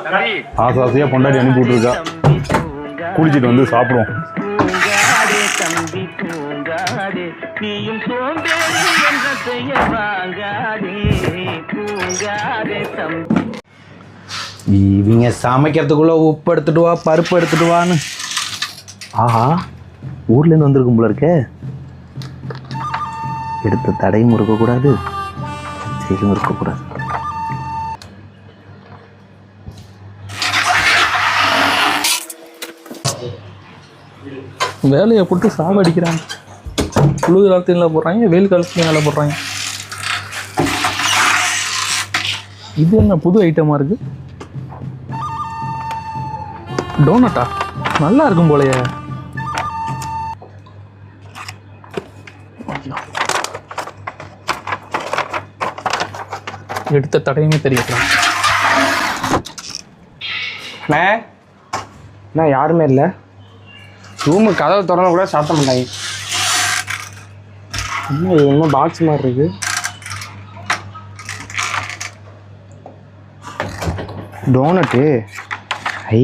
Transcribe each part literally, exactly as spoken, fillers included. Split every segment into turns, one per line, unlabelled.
ஆசை ஆசையாக பொண்டாட்டி அனுப்பி விட்ருக்கா. குளிச்சுட்டு வந்து சாப்பிடுவோம்.
இவங்க சமைக்கிறதுக்குள்ள உப்பு எடுத்துட்டு வா, பருப்பு எடுத்துட்டு வான்னு. ஆஹா, ஊர்லேருந்து வந்திருக்கும் போல இருக்கே. எடுத்த தடையும் இருக்கக்கூடாது, செயலும் இருக்கக்கூடாது.
வேலையை போட்டு சாவடிக்கிறாங்க. குளிர் காலத்துல போடுறாங்க, வெயில் காலத்துலையும் வேலை போடுறாங்க. இது என்ன புது ஐட்டமாக இருக்கு? டோனட்டா நல்லா இருக்கும் போலயே. எடுத்த தடையுமே தெரியல.
அண்ணே அண்ணா யாருமே இல்லை. ரூமு கதவை திறந்து கூட சாப்பிட மாட்டாங்க. இன்னும் இது இன்னும் பாக்ஸ் மாதிரி இருக்கு. டோனட்டு ஐ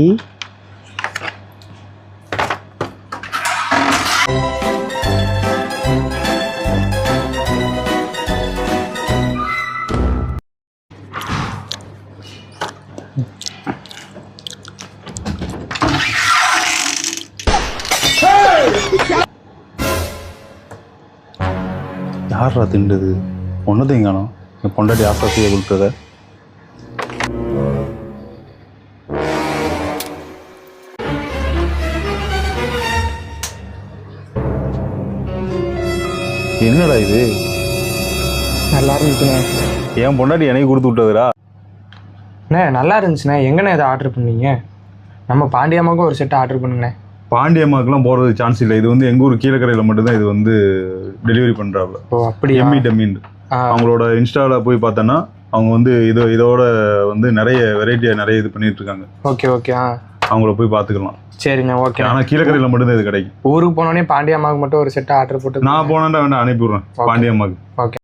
யாரா திண்டுது? ஒன்றதையும் காணும். என் பொண்டாட்டி ஆசாசியை கொடுத்தத. என்னடா இது?
நல்லா இருந்துச்சுண்ணே.
என் பொண்டாட்டி எனக்கு கொடுத்து விட்டதுடா.
அண்ணே நல்லா இருந்துச்சுண்ணே. எங்கண்ணே இதை ஆர்டர் பண்ணீங்க? நம்ம பாண்டியம்மாவுக்கும் ஒரு செட்டை ஆர்டர் பண்ணுங்கண்ணே.
பாண்டியம்மாக்கெல்லாம் போகிறது சான்ஸ் இல்லை. இது வந்து எங்கள் ஊர் கீழக்கரையில் மட்டும்தான் இது வந்து டெலிவரி பண்ணுறாப்புல.
ஓ அப்படி
எம்மி டம்மின் அவங்களோட இன்ஸ்டாவில் போய் பார்த்தோன்னா அவங்க வந்து இதோ இதோட வந்து நிறைய வெரைட்டியாக நிறைய இது பண்ணிட்டு இருக்காங்க.
ஓகே ஓகே ஆ
அவங்கள போய் பார்த்துக்கலாம்.
சரிண்ணே ஓகே.
ஆனால் கீழக்கரையில் மட்டும்தான் இது கிடைக்கும்.
ஊருக்கு போனோடனே பாண்டியம்மாவுக்கு மட்டும் ஒரு செட்டை ஆர்டர் போட்டு
நான் போனேன்டா வேண்டாம் அனுப்பி விட்றேன் பாண்டியம்மாவுக்கு.
ஓகே.